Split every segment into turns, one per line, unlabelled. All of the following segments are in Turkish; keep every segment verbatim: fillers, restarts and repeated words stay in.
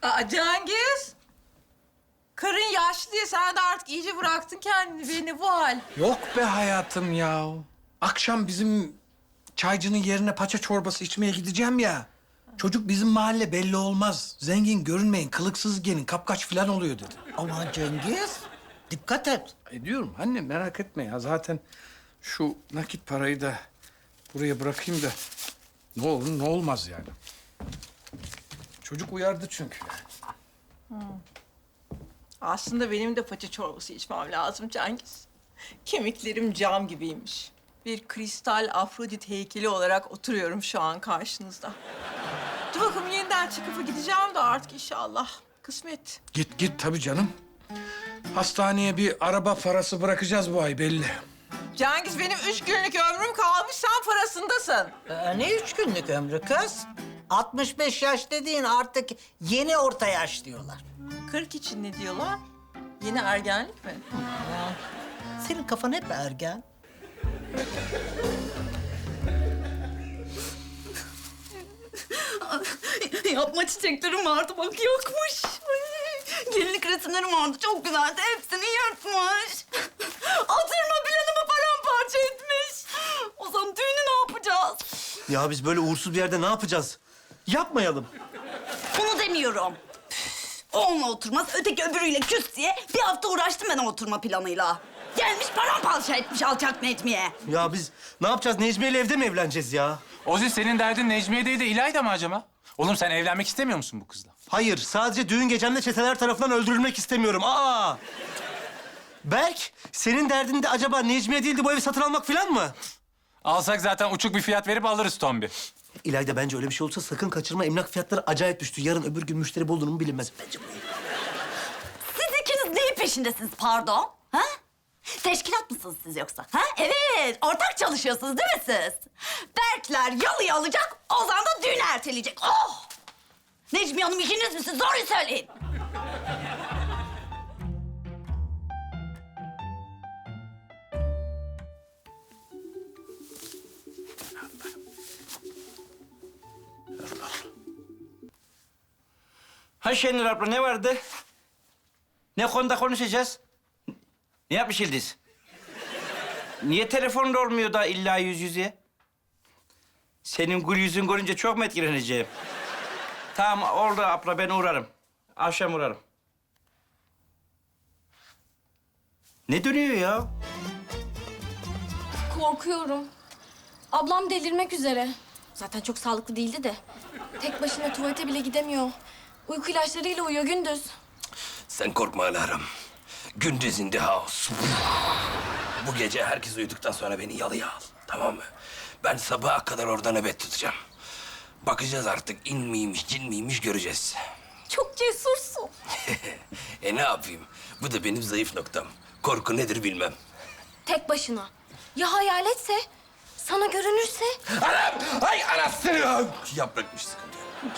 Aa, Cengiz. Karın yaşlı diye sen de artık iyice bıraktın kendini. Beni bu hal.
Yok be hayatım ya. Akşam bizim çaycının yerine paça çorbası içmeye gideceğim ya. Çocuk bizim mahalle belli olmaz. Zengin görünmeyin, kılıksız gelin, kapkaç falan oluyor dedi.
Aman Cengiz, dikkat et.
Ediyorum anne, merak etme ya. Zaten şu nakit parayı da buraya bırakayım da ne olur ne olmaz yani. Çocuk uyardı çünkü.
Aslında benim de paça çorbası içmem lazım Cengiz. Kemiklerim cam gibiymiş. Bir kristal Afrodit heykeli olarak oturuyorum şu an karşınızda. Dur bakalım yeniden çıkıp gideceğim de artık inşallah. Kısmet.
Git git tabii canım. Hastaneye bir araba parası bırakacağız bu ay belli.
Cengiz benim üç günlük ömrüm kalmış, sen parasındasın.
Ee, ne üç günlük ömrü kız? altmış beş yaş dediğin artık yeni orta yaş diyorlar.
kırk için ne diyorlar? Yeni ergenlik mi?
Ya, senin kafan hep ergen.
Yapma çiçeklerim vardı bak yokmuş. Ay, gelinlik resimlerim vardı çok güzeldi. Hepsini yırtmış. Oturma planımı paramparça etmiş. O zaman düğünü ne yapacağız?
Ya biz böyle uğursuz bir yerde ne yapacağız? Yapmayalım.
Bunu demiyorum. O onunla oturmaz, öteki öbürüyle küs diye bir hafta uğraştım ben o oturma planıyla. Gelmiş paramparça etmiş alçak Necmiye.
Ya biz ne yapacağız? Necmiye ile evde mi evleneceğiz ya?
Ozi senin derdin Necmiye değil de İlayda mı acaba? Oğlum sen evlenmek istemiyor musun bu kızla?
Hayır, sadece düğün gecemde çeteler tarafından öldürülmek istemiyorum. Aa! Berk, senin derdin de acaba Necmiye değil de bu evi satın almak falan mı?
Alsak zaten uçuk bir fiyat verip alırız Tombi.
İlayda bence öyle bir şey olursa sakın kaçırma. Emlak fiyatları acayip düştü. Yarın öbür gün müşteri bulunur mu bilinmez. Bence bu ev.
Siz ikiniz neyin peşindesiniz pardon? Ha? Teşkilat mısınız siz yoksa? Ha? Evet, ortak çalışıyorsunuz değil mi siz? Berkler yalıyı alacak, Ozan da düğünü erteleyecek. Oh! Necmiye Hanım işiniz misiniz? Doğruyu söyleyin.
Ha Şenur abla ne vardı? Ne konuda konuşacağız? Ne yapmış Yıldız? Niye telefonda olmuyor da illa yüz yüze? Senin gül yüzün görünce çok mu etkileneceğim? Tamam oldu abla ben uğrarım. Akşam uğrarım. Ne dönüyor ya?
Korkuyorum. Ablam delirmek üzere. Zaten çok sağlıklı değildi de. Tek başına tuvalete bile gidemiyor. Uyku ilaçlarıyla uyuyor gündüz.
Sen korkma Alarm. Gündüz in the house. Bu gece herkes uyuduktan sonra beni yalıya al. Tamam mı? Ben sabaha kadar orada nöbet tutacağım. Bakacağız artık in miymiş, cin miymiş göreceğiz.
Çok cesursun.
E ne yapayım? Bu da benim zayıf noktam. Korku nedir bilmem.
Tek başına. Ya hayaletse? Sana görünürse?
Anam! Ay anasını! Yaprakmış sıkıntı yok.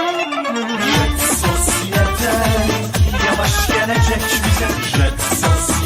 Sosyete yavaş gelecek bize. Red sos